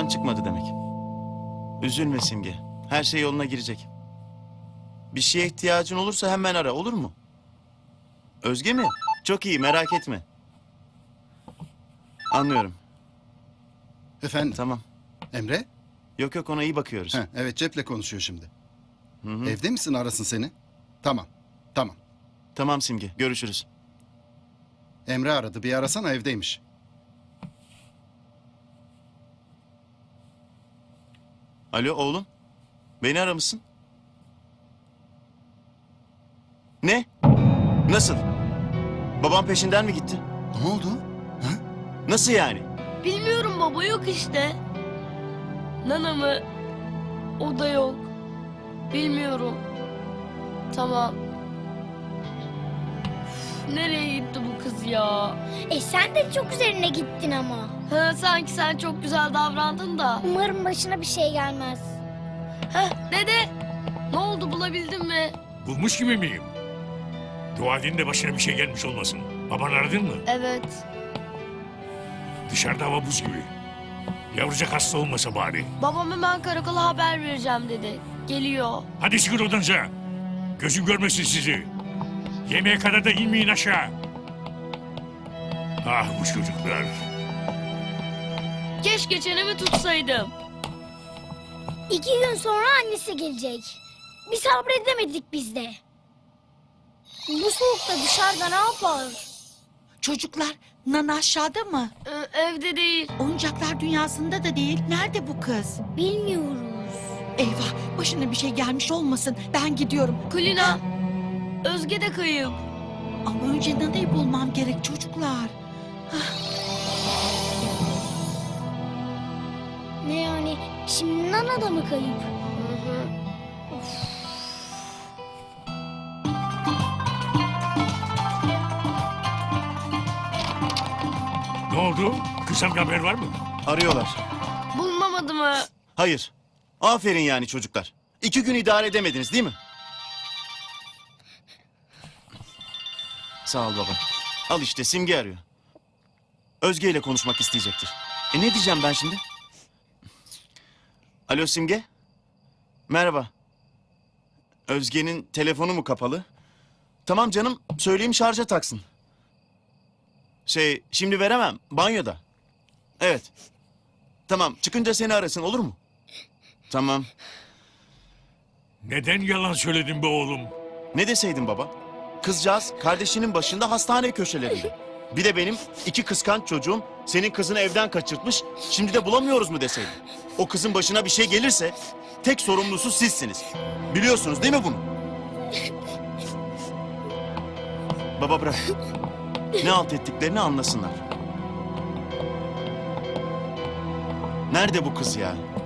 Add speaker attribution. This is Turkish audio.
Speaker 1: çıkmadı demek. Üzülme Simge. Her şey yoluna girecek. Bir şeye ihtiyacın olursa hemen ara, olur mu? Özge mi? Çok iyi, merak etme. Anlıyorum.
Speaker 2: Efendim?
Speaker 1: Tamam.
Speaker 2: Emre?
Speaker 1: Yok yok, ona iyi bakıyoruz.
Speaker 2: Evet, Cep'le konuşuyor şimdi.
Speaker 1: Hı.
Speaker 2: Evde misin, arasın seni? Tamam, tamam.
Speaker 1: Tamam Simge, görüşürüz.
Speaker 2: Emre aradı, bir arasana, evdeymiş.
Speaker 1: Alo oğlum. Beni aramışsın. Ne? Nasıl? Babam peşinden mi gitti?
Speaker 2: Ne oldu? Ha?
Speaker 1: Nasıl yani?
Speaker 3: Bilmiyorum baba, yok işte. Nana mı? O da yok. Bilmiyorum. Tamam. Üf, nereye gitti bu kız ya?
Speaker 4: Sen de çok üzerine gittin ama.
Speaker 3: Ha, sanki sen çok güzel davrandın da.
Speaker 4: Umarım başına bir şey gelmez.
Speaker 3: Heh, dede. Ne oldu, bulabildin mi?
Speaker 5: Bulmuş gibi miyim? Dua edin de başına bir şey gelmiş olmasın. Baban aradın mı?
Speaker 3: Evet.
Speaker 5: Dışarıda hava buz gibi. Yavrucak hasta olmasa bari.
Speaker 3: Babam hemen karakola haber vereceğim dedi. Geliyor.
Speaker 5: Hadi çıkın odanıza. Gözüm görmesin sizi. Yemeğe kadar da inmeyin aşağı. Ah bu çocuklar.
Speaker 3: Keşke çenemi tutsaydım.
Speaker 4: 2 gün sonra annesi gelecek. Bir sabredemedik biz de. Bu soğukta dışarıda ne yapar?
Speaker 6: Çocuklar, Nana aşağıda mı?
Speaker 3: Evde değil.
Speaker 6: Oyuncaklar dünyasında da değil. Nerede bu kız?
Speaker 4: Bilmiyoruz.
Speaker 6: Eyvah, başına bir şey gelmiş olmasın. Ben gidiyorum.
Speaker 3: Kulina. Özge de kayıp.
Speaker 6: Ama önce Nana'yı bulmam gerek çocuklar.
Speaker 4: Ne yani? Şimdi Nana da mı kayıp?
Speaker 3: Hı hı.
Speaker 5: Ne oldu? Kızım haber var mı?
Speaker 1: Arıyorlar.
Speaker 3: Bulunamadı mı?
Speaker 1: Hayır. Aferin yani çocuklar. 2 gün idare edemediniz değil mi? Sağ ol baba. Al işte, Simge arıyor. Özge ile konuşmak isteyecektir. Ne diyeceğim ben şimdi? Alo Simge. Merhaba. Özge'nin telefonu mu kapalı? Tamam canım, söyleyeyim şarja taksın. Şimdi veremem, banyoda. Evet. Tamam, çıkınca seni arasın, olur mu? Tamam.
Speaker 5: Neden yalan söyledin be oğlum?
Speaker 1: Ne deseydin baba? Kızcağız kardeşinin başında hastane köşelerinde. Bir de benim 2 kıskanç çocuğum senin kızını evden kaçırtmış. Şimdi de bulamıyoruz mu deseydin? O kızın başına bir şey gelirse tek sorumlusu sizsiniz. Biliyorsunuz değil mi bunu? Baba bırak. Ne alt ettiklerini anlasınlar. Nerede bu kız ya?